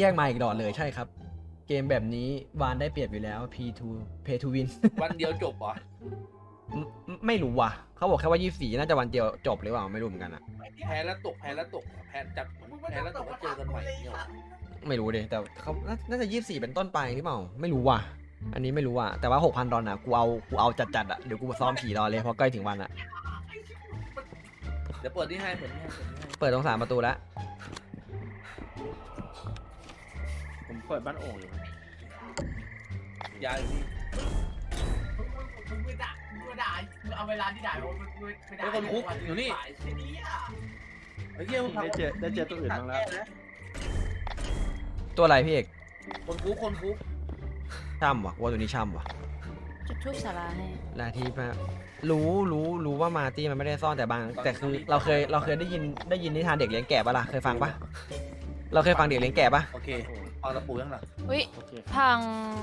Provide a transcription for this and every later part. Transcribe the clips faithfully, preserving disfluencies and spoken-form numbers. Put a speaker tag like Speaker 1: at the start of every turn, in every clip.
Speaker 1: แยกมาอีกดอทเลยใช่ครับเกมแบบนี้วานได้เปรียบอยู่แล้ว พี ทู Pay to Win
Speaker 2: วันเดียวจบเหรอ
Speaker 1: ไม่รู้ว่ะเขาบอกแค่ว่ายี่สิบสี่น่าจะวันเดียวจบหรือเปล่าไม่รู้เหมือนกันอะ
Speaker 2: แพ้แล้วตกแพ้แล้วตกแพ้จับแพ้แล้วตกก็เจอกันใหม่เนี่ย
Speaker 1: ไม่รู้ดิแต่เขาน่าจะยี่สิบสี่เป็นต้นไปหรือเปล่าไม่รู้ว่ะอันนี้ไม่รู้ว่ะแต่ว่า หกพัน ดอลลาร์กูเอากูเอาจัดๆอะเดี๋ยวกูซ้อมผีรอเลยเพราะใกล้ถึงวันอะ
Speaker 2: เดี๋ยวเปิดนี่ให้เปิดนี่ให้เปิดนี่ให้
Speaker 1: เปิดตรงสามประตูแล้ว
Speaker 3: ผมเปิดบ้านโอ่งอยู่
Speaker 2: ยายพี่
Speaker 4: มึงไม่ด่ามึงไม่ด่ามึงเอาเวลาที่ด่ามึงไม่ได้
Speaker 2: ไอ้คนคุกอยู่นี่
Speaker 4: ไอ้นี่อ่ะ
Speaker 2: ไอ้เหี้ยมึง
Speaker 3: ได้เจอได้เจอตัวอื่นบ้างแล้ว
Speaker 1: ตัวอะไรพี่เอก
Speaker 2: คนคุกคนคุก
Speaker 1: ช่ำวะว่าตัวนี้ช่ำวะ
Speaker 5: จุดทูบสาราให้
Speaker 1: ลาทีมารู้รู้รู้ว่ามาร์ตี้มันไม่ได้ซ่อนแต่บางแต่คือเราเคยเราเคยได้ยินได้ยินนิทานเด็กเลี้ยงแกะปะล่ะเคยฟังปะเราเคยฟังเด็กเลี้ยงแกะปะ
Speaker 2: โอเคเอาตะปูยังหลัง
Speaker 5: อุ้ย
Speaker 3: โอเค
Speaker 5: พัง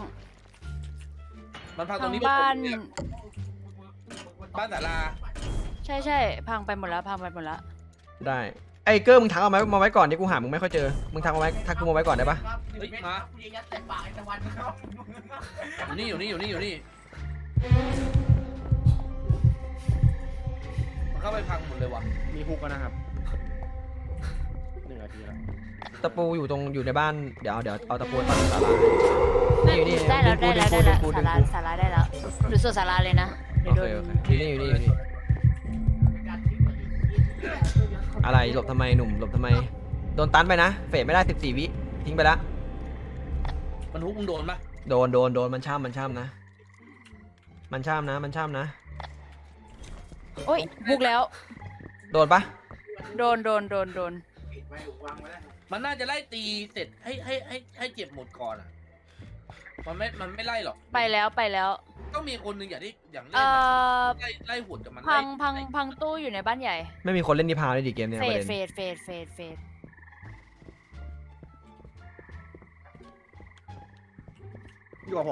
Speaker 2: มันพังตร
Speaker 5: พั
Speaker 2: ง
Speaker 5: ง
Speaker 2: นี้
Speaker 5: บ้าน
Speaker 2: บ้านศาลา
Speaker 5: ใช่ใช่พังไปหมดแล้วพังไปหมดแล้ว
Speaker 1: ได้ไอ้เกอร์มึงทักเอาไว้มาไว้ก่อนดิกูหามึงไม่ค่อยเจอมึงทักเอาไว้ทักกูมาไว้ก่อนได้ปะ
Speaker 2: เฮ้ยมา
Speaker 4: กูยังยัดใส่ปากไอ้ตะวันครับ
Speaker 2: อยู่นี่อยู่นี่อยู่นี่อยู่นี่มันเข้าไปพังหมดเลยว่ะ
Speaker 3: มีฮุกแล้วนะครับหนึ่งนาทีแล้ว
Speaker 1: ตะปูอยู่ตรงอยู่ในบ้านเดี๋ยวเดี๋ยวเอาตะปูตัดศาลานี่อยู่นี่
Speaker 5: ได้แล้ว
Speaker 1: ดึ
Speaker 5: ได้
Speaker 1: งกู
Speaker 5: แล้ว
Speaker 1: ดึ
Speaker 5: ได้
Speaker 1: ง
Speaker 5: แล้ว
Speaker 1: กูดึ
Speaker 5: สาง รา
Speaker 1: กู
Speaker 5: สาราได้แล้วหรือส่วนสาราเลยนะ
Speaker 1: โอ
Speaker 5: เดี๋ยวโด
Speaker 1: เคน โอเคอยู่นี่อยู่นี่อยู่นี่อะไรหลบทำไมหนุ่มหลบทำไมโดนตันไปนะเฟดไม่ได้สิบสี่วิทิ้งไปละ
Speaker 2: มันฮุกมึงโดนปะ
Speaker 1: โดนโดนโดนมันช่ำมันช่ำนะ มันช่ำนะมันช่ำนะ
Speaker 5: โอ้ยบุกแล้ว
Speaker 1: โดนปะ
Speaker 5: โดนโดนโดนโดน
Speaker 4: ปิดไว้วางไว้แล้ว
Speaker 2: มันน่าจะไล่ตีเสร็จให้ให้ให้ให้เจ็บหมดก่อนอ่ะมันไม่มันไม่ไล่หรอก
Speaker 5: ไปแล้วไปแล้ว
Speaker 2: ต้องมีคนหนึ่งอย่างที่อย่างเล่
Speaker 5: เอ่
Speaker 2: นอะ
Speaker 5: อ
Speaker 2: ไล่ไล่หุ่นกับมัน
Speaker 5: พัง
Speaker 2: ไล่
Speaker 5: พังพังตู้อยู่ในบ้านใหญ่
Speaker 1: ไม่มีคนเล่นนิพาเลยดิเกมเนี่ย
Speaker 5: เฟ
Speaker 1: ประ
Speaker 5: ด
Speaker 1: เด็น
Speaker 5: เฟดเฟดเฟดเฟด
Speaker 3: อยู่กับผม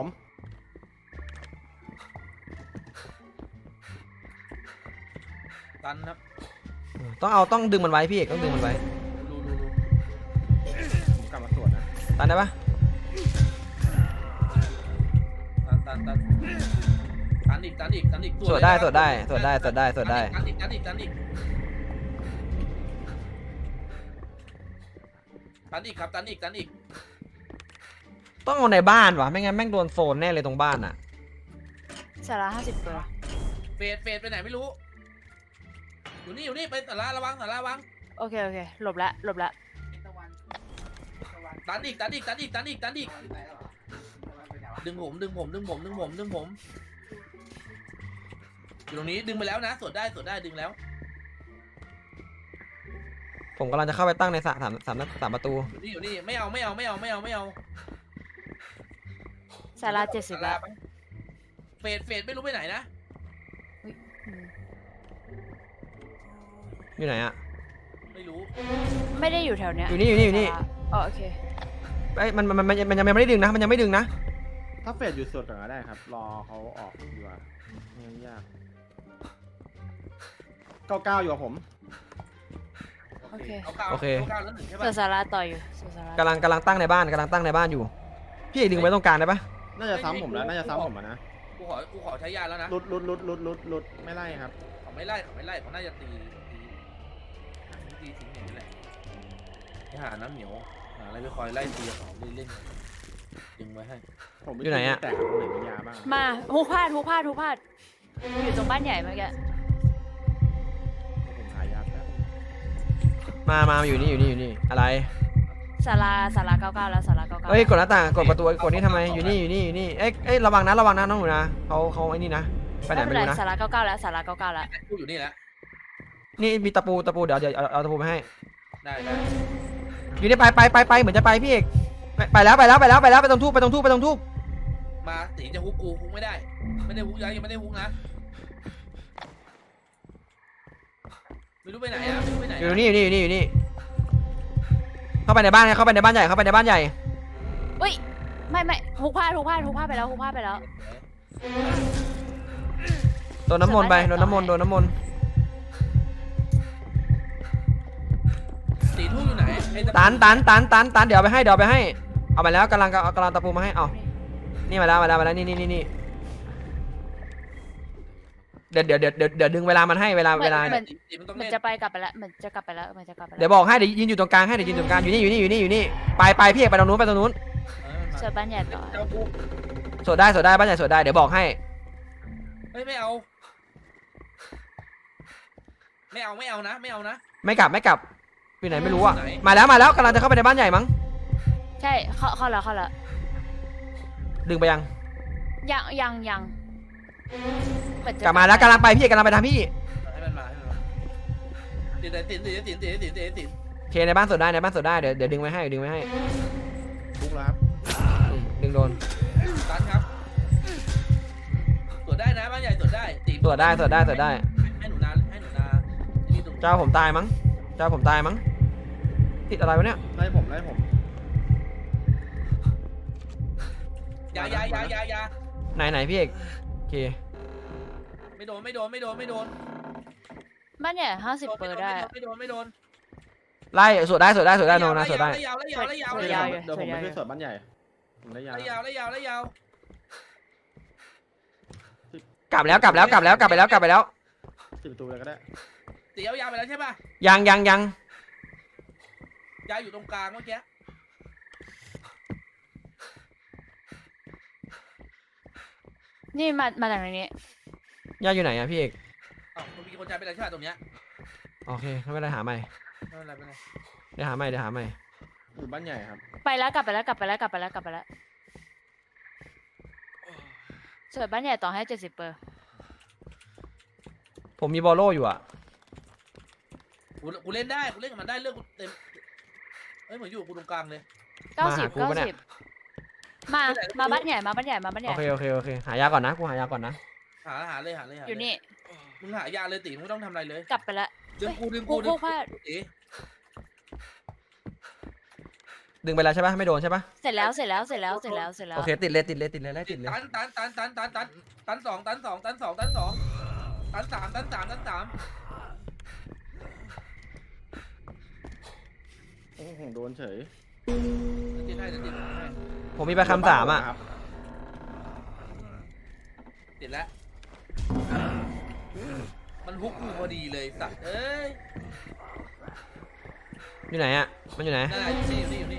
Speaker 2: ตันครับ
Speaker 1: ต้องเอาต้องดึงมันไว้พี่เอกต้องดึงมันไว้
Speaker 2: ดูดูดู
Speaker 3: ผมกลับมาตรวจนะ
Speaker 1: ตันได้ปะ
Speaker 2: ตันตันตันตันอีกตันอีกตันอีก
Speaker 1: สวดได้สวดได้สวดได้สวดได้สวดได้
Speaker 2: ตันอีกตันอีกตันอีกตันอีกครับตันอีกตันอีก
Speaker 1: ต้องเอาในบ้านวะไม่งั้นแม่งโดนโซนแน่เลยตรงบ้านอ่ะ
Speaker 5: สาราห้าสิบตัว
Speaker 2: เฟดเฟดไปไหนไม่รู้ อยู่นี่อยู่นี่ไปสาราระวังสาราระวัง
Speaker 5: โอเคโอเคหลบละหลบละ
Speaker 4: ไอ้ตะวันตะวัน
Speaker 2: ตันอีกตันอีกตันอีกตันอีกตันอีก
Speaker 4: ไปแล้วเหรอตะวันไปไหนวะ
Speaker 2: ดึงผมดึงผมดึงผมดึงผมดึงผมอยู่ตรงนี้ดึงไปแล้วนะสวดได้สวดได้ดึงแล้ว
Speaker 1: ผมกำลังจะเข้าไปตั้งในสามสามสามสามประตู
Speaker 2: อยู่นี่อยู่นี่ไม่เอาไม่เอาไม่เอาไม่เอาไม่เอา
Speaker 5: สาราเจ็ดสิบละ
Speaker 2: เฟดเฟดไม่รู้ไปไหนนะ
Speaker 5: อืม
Speaker 1: อยู่ไหนอ่ะ
Speaker 2: ไม่รู้
Speaker 5: ไม่ได้อยู่แถวเนี้ย
Speaker 1: อยู่นี่อยู่นี่อยู่นี่
Speaker 5: ศาลาอ๋อโอเค
Speaker 1: ไอ้ยมันมันมันมันยังไม่ได้ดึงนะมันยังไม่ดึงนะ
Speaker 3: ถ้าเฟดอยู่สุดก็ได้ครับ รอเขาออกดีกว่าไม่งั้นยากเก้าเก้าอยู่กับผม
Speaker 5: โอเค
Speaker 2: เอาเก้า
Speaker 1: โอเค
Speaker 2: าเก้าแล้วหนึ่งใช่
Speaker 5: ส่ว
Speaker 2: ปะ
Speaker 5: นสาราต่ออยู่ส่วนสารา
Speaker 1: กำลังกำลังตั้งในบ้านกำลังตั้งในบ้านอยู่ พี่เอกดึงไว้ตรงกลางได้ปะ
Speaker 3: น่าจะซ้ำผมแล้ว น่าจะซ้ำผมอะนะ
Speaker 2: กูขอกูขอใช้ยาแล้วนะ
Speaker 3: ลุดลุดลุดลุดลุดลุดไม่ไล่ครับ
Speaker 2: เขาไม่ไล่เขาไม่ไล่เขาน่าจะตีตีหาวิธีทิ้งอย่างนี้แหละไปหาน้ำเหนียวหาอะไรไปคอยไล่ตีเขาเล่นๆดึงไว้ให้
Speaker 3: ผมม่รู้แต่ตรงไหนมียาบ้าง
Speaker 5: มาฮูพลาดฮูพลาดฮูพลาดอยู่ตรงบ้านใหญ่เมื่อกี้
Speaker 3: ผมหายาแป๊บ
Speaker 1: มามาอยู่นี่อยู่นี่อยู่นี่อะไร
Speaker 5: ศาลาศาลาเก้าเก้าแล้วศาลาเก้าเก้า
Speaker 1: เอ้ยกดหน้าต่างกดประตูกดนี่ทำไมอยู่นี่อยู่นี่อยู่นี่เอ้ยเอ้ยระวังนะระวังนะน้องหนูนะเขาเขาไอ้นี่นะไปไหน
Speaker 5: ไม่
Speaker 1: ไม่
Speaker 5: เป็นไร
Speaker 1: รู้นะ
Speaker 5: ศาลาเก้าเก้าแล้วศาลาเก้าเก้าแล้ว
Speaker 2: กูอยู่นี่แหละ
Speaker 1: นี่มีตะปูตะปูเดี๋ยวเดี๋ยวเอาเอาตะปูไปให้
Speaker 2: ได้ได้
Speaker 1: อยู่นี่ไปไปไปไปเหมือนจะไปพี่เอกไปไปแล้วไปแล้วไปแล้วไปแล้วไปตรงทูบไปตรงทูบไปตรงทูบ
Speaker 2: มาตีจะฮุกกูฮุกไม่ได้ ไม่ได้ฮุกยังยังไม่ได้ฮุกนะไม่รู้ไปไหนอะไม่รู้ไปไหน
Speaker 1: อยู่นี่อยู่นี่อยู่นี่อยู่นี่เข้าไปในบ้านเข้าไปในบ้านใหญ่เข้าไปในบ้านใหญ่
Speaker 5: อุ้ยไม่ไม่ฮูพลาดฮูพลาดฮูพลาดไปแล้วฮูพลาดไปแล้ว
Speaker 1: โดนน้ำมนต์ไปโดนน้ำมนต์โดนน้ำมนต์
Speaker 2: ตีทุ่งอยู่ไหนไอ้ตะ
Speaker 1: ตันตันตันตันตันเดี๋ยวเอาไปให้เดี๋ยวเอาไปให้เอาไปแล้วกำลังกำลังตะปูมาให้เอานี่มาแล้วมาแล้วมาแล้วนี่นี่นี่นี่เดี๋ยวเดี๋ยวเดี๋ยวเดี๋ยวเดี๋ยวดึงเวลามันให้เวลาเวลา
Speaker 5: เหมือน
Speaker 2: ตีมันต้อง
Speaker 5: เหมือ
Speaker 2: เล่
Speaker 5: น
Speaker 2: น
Speaker 5: จะไปกลับไปแล้วเหมือนจะกลับไปแล้วเหมือนจะกลับไปแล้ว
Speaker 1: เดี๋ยวบอกให้เดี๋ยวยืนอยู่ตรงกลางให้เดี๋ยวยืนตรงกลางอยู่นี่อยู่นี่อยู่นี่อยู่นี่ไปไปพี่เอกไปตรงนู้นไปตรงนู้น
Speaker 2: เออมัน
Speaker 5: เสิร์ฟบ้านใหญ่ต่อ
Speaker 2: มาเจ้ากู
Speaker 1: สวดได้สวดได้บ้านใหญ่สวดได้เดี๋ยวบอกให้
Speaker 2: เฮ้ยไม่เอา ไม่เอาไม่เอานะ ไม่เอานะ
Speaker 1: ไม่กลับไม่กลับไปไหนไม่รู้อะ
Speaker 2: ไหน
Speaker 1: มาแล้วมาแล้วกำลังจะเข้าไปในบ้านใหญ่มั้ง
Speaker 5: ใช่เข้าเข้าแล้วเข้าแล้ว
Speaker 1: ดึงไปยัง
Speaker 5: ยังยังยังเหมือนจะ
Speaker 1: กลับมาแล้วกำลังไปพี่เอกกำลังไปทางพี่
Speaker 2: ให้มันมาให้มันมาติดติดติดติดติดติดติดติด
Speaker 1: โอเคในบ้านสวดได้ในบ้านสวดได้เดี๋ยวเดี๋ยวดึงไว้ให้เดี๋ยวดึงไว้ให้
Speaker 3: ทุกแล้วครับ
Speaker 1: อืมดึงโดน
Speaker 2: ตันครับตรวจได้นะบ้านใหญ่ตรวจได้ตี
Speaker 1: สวดได้สวดได้สวดได้
Speaker 2: ให้หนูนาให้หนูนาที่ตรง
Speaker 1: เจ้าผมตายมั้งเจ้าผมตายมั้งติดอะไรวะเนี่ย
Speaker 3: ไล่ผมไล่ผม
Speaker 2: ยายายายายา
Speaker 1: ไหนไหนพี่เอกโอเค
Speaker 2: ไม่โดนไม่โดนไม่โดนไม่โดน
Speaker 5: บ้านใหญ่ห้าสิบเปอร์ได้
Speaker 2: ไม่โดนไม่โดน
Speaker 1: ไล่สวดได้สวดได้สวดได้โนนะสวดได้
Speaker 2: ไล่ยาวไล่ยาวไล่ยาว
Speaker 5: สว
Speaker 2: ไล่
Speaker 5: ด
Speaker 2: ยาว
Speaker 5: อยู่
Speaker 3: เดี๋ยวผมไปช่วยสวดบ้านใหญ่ผมได้ยา
Speaker 2: ไล่ยาวไล่ยาวไล่ยาว
Speaker 1: กลับแล้วกลับแล้วกลับแล้วกลับไปแล้วกลับไปแล้ว
Speaker 3: ปิดประตูเลยก็ได้
Speaker 2: ตียาวๆไปแล้วใช่ป่ะ
Speaker 1: ยังยังยัง
Speaker 2: ยาอยู่ตรงกลางเมื่อกี้
Speaker 5: นี่มามาจากไหนนี้
Speaker 1: ย่าอยู่ไหนอะพี่เอก
Speaker 2: อ้าวมันมีคนใจเป็นอะไรใช่ป่ะตรงเนี้ย
Speaker 1: โอเคไม่เป็นไรหาใหม่
Speaker 2: ไม่เป็นไรไม่เป็นไร
Speaker 1: เดี๋ยวหาใหม่เดี๋ยวหาใหม่
Speaker 3: อยู่บ้านใหญ่ครับ
Speaker 5: ไปแล้วกลับไปแล้วกลับไปแล้วกลับไปแล้วกลับไปแล้วเสิร์ฟบ้านใหญ่ต่อให้เจ็ดสิบเปอร์
Speaker 1: ผมมีบอลโล่อยู่อะ
Speaker 2: กูกูเล่นได้กูเล่นกับมันได้เลือกกูเต็มเอ้ยเหมือนอยู่กับกูตรงกลางเลย
Speaker 5: เก้าสิบเก้าสิบมามาบ้านใหญ่มาบ้านใหญ่มาบ้านให
Speaker 1: โอ
Speaker 5: ญ่
Speaker 1: เคโอเคโอเคหายาก่อนนะกูหายาก่อนนะ
Speaker 2: หาหาเลยหาเลยหาเล
Speaker 5: อยู่นี่
Speaker 2: มึงหายาเลยตีมึงไม่ต้องทำอะไรเลย
Speaker 5: กลับไปแล้ว
Speaker 2: ดึงกูดึง
Speaker 5: กู
Speaker 2: กูดึ
Speaker 5: กู
Speaker 2: ง
Speaker 5: พลาด
Speaker 2: ตี
Speaker 1: ดึงไปแล้วใช่ปะไม่โดนใช่ปะ
Speaker 5: เสร็จแล้วเสร็จแล้วเสร็จแล้วเสร็จแล้วเสร็จแล้ว
Speaker 1: โอเคติดเลยติดเลยติดเลยไล่ติดเลย
Speaker 2: ตันตันตันตันตันตันตันสองตันสองตันสองตันสองตันสามตันสามตันสาม
Speaker 3: โอ้โหโดนเฉย
Speaker 2: ติดให้ติดให้
Speaker 1: ผมมีไปคำสามอะ
Speaker 3: ครับ
Speaker 2: ติดแล้วมันฮุกกูพอดีเลยสัตว์เอ้ย
Speaker 1: อยู่ไหนอะมันอยู่ไหน
Speaker 2: นั่นแหละอยู่นี่อยู่นี่อยู่นี่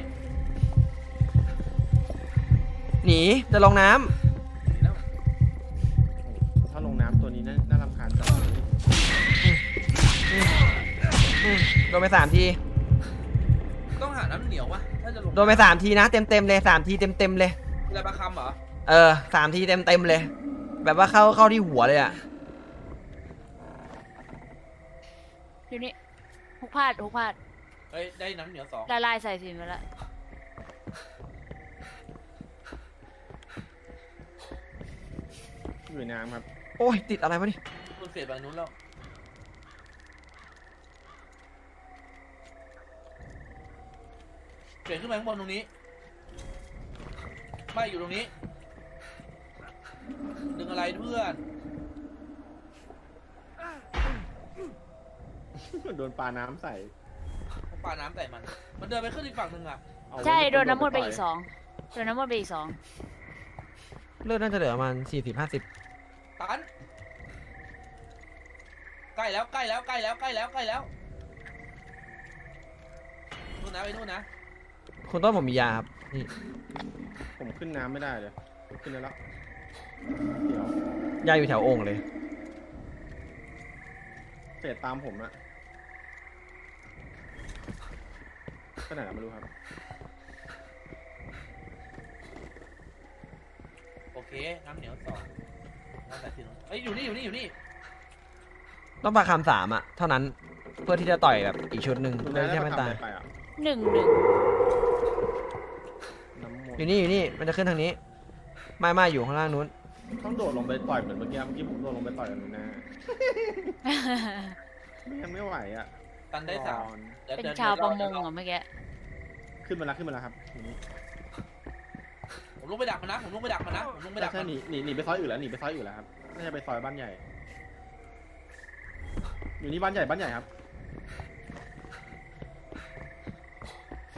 Speaker 1: หนีจะลงน้
Speaker 2: แล้ว
Speaker 3: ถ้าลงน้ำตัวนี้น่าน่ารำคาญจัง
Speaker 1: ำอืมโดนไปสามที
Speaker 2: ต้องหาน้ำเหนียววะถ้าจะลง
Speaker 1: โดนไปสามทีนะเต็มเต็มๆเลยสามทีเต็มเต็มๆเลย
Speaker 2: เวลาปลาคำเหรอ
Speaker 1: เออสามทีเต็มเต็มๆเลย แบบว่าเข้าเข้าที่หัวเลยอะ
Speaker 5: อยู่นี่ฮุกพลาดฮุกพลาด
Speaker 2: เฮ้ยได้น้ำเหนียวสอง
Speaker 5: ละลายใส่สินไปแล้ว
Speaker 3: อยู่ในน้ำครับ
Speaker 1: โอ้ยติดอะไรวะนี่
Speaker 2: คุณเสียบางนู้นแล้วเปลี่ยนขึ้นมาข้างบนตรงนี้ไม่อยู่ตรงนี้ดึงอะไรเพื่อน
Speaker 3: โดนปลาน้ำใส่
Speaker 2: ปาน้ำใส่มัน มันเดินไปขึ้นอีกฝั่งหนึ่งอ่ะ
Speaker 3: เอา
Speaker 5: ใช่
Speaker 3: ว้
Speaker 5: โดนน้ำมนต์ไป
Speaker 3: ต่ย
Speaker 5: อีกสองโดนน้ำมนต์ไปอีกสอง
Speaker 1: เลือดน่าจะเหลือประมาณสี่สิบห้าสิบ
Speaker 2: ตันใกล้แล้วใกล้แล้วใกล้แล้วใกล้แล้วใกล้แล้วนู่นนะไปนู่นนะ
Speaker 1: คุณต้นผมมียาครับนี่
Speaker 3: ผมขึ้นน้ำไม่ได้เลย ขึ้นได้แล้วเดี๋ยวย
Speaker 1: าอยู่แถวโอ่งเลย
Speaker 3: เฟดตามผมอะไปไหนล่ะไม่รู้ครับ
Speaker 2: โอเคน้ำเหนียวสองน้ำใส่ที่นู้นเอ้ยอยู่นี่อยู่นี่อยู่นี่
Speaker 1: ต้องปาคำสามอะเท่านั้นเพื่อที่จะต่อยแบบอีกชุดหนึ่ง
Speaker 3: คุณ
Speaker 1: เพื่อ
Speaker 3: ได้
Speaker 1: ที่
Speaker 3: ได้
Speaker 1: จะ
Speaker 3: ป
Speaker 1: ไม่
Speaker 3: ระคำ
Speaker 1: ตาย
Speaker 3: อะไรไปอ่ะ
Speaker 5: หนึ่งหนึ่ง
Speaker 3: น้ำมน
Speaker 1: อยู่
Speaker 3: ต์
Speaker 1: นี่อยู่นี่มันจะขึ้นทางนี้ ไม่ไม่อยู่ข้างล่างนู้น
Speaker 3: ต้องโดดลงไปต่อยเหมือนเมื่อกี้เมื่อกี้ผมโดดลงไปต่อยกันหน้าไม่งั้นไม่ไหวอ่ะ
Speaker 2: ตันได้สาม
Speaker 3: นอน
Speaker 2: ดี๋ย
Speaker 5: เป็น
Speaker 2: ดี๋ย
Speaker 5: ชาวประมง
Speaker 2: เดี๋ย
Speaker 5: เหรอเมื่อกี้
Speaker 3: ขึ้นมาแล้วขึ้นมาแล้วครับทีนี้
Speaker 2: ผมลงไปดักมันนะผมลงไปดักมันนะผมลงไปดัก
Speaker 3: ใช่
Speaker 2: มัน
Speaker 3: หนีหนีหนีไปซอยอื่นแล้วหนีไปซอยอื่นแล้วครับน่าจะไปซอยบ้านใหญ่ อยู่นี่บ้านใหญ่บ้านใหญ่ครับ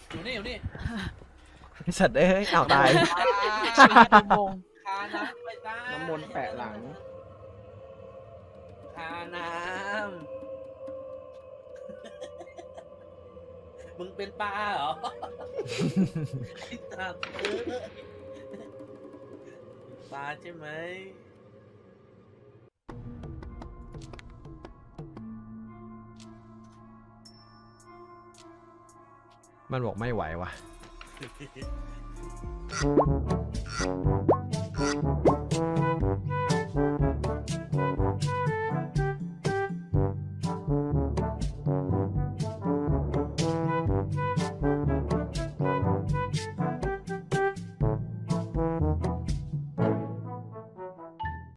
Speaker 2: อยู่นี่อยู่นี่
Speaker 1: ไอ้สัตว์เอ้ยเอาตาย
Speaker 5: ดูวง
Speaker 2: คาน้ำไปตา
Speaker 3: น้ำมนต์แปะหลัง
Speaker 2: คาน้ำ มึงเป็นปลาเหรอ ไอ้สัตว์เอ้ยปลาใช่ไหม
Speaker 1: มันบอกไม่ไหวว่ะ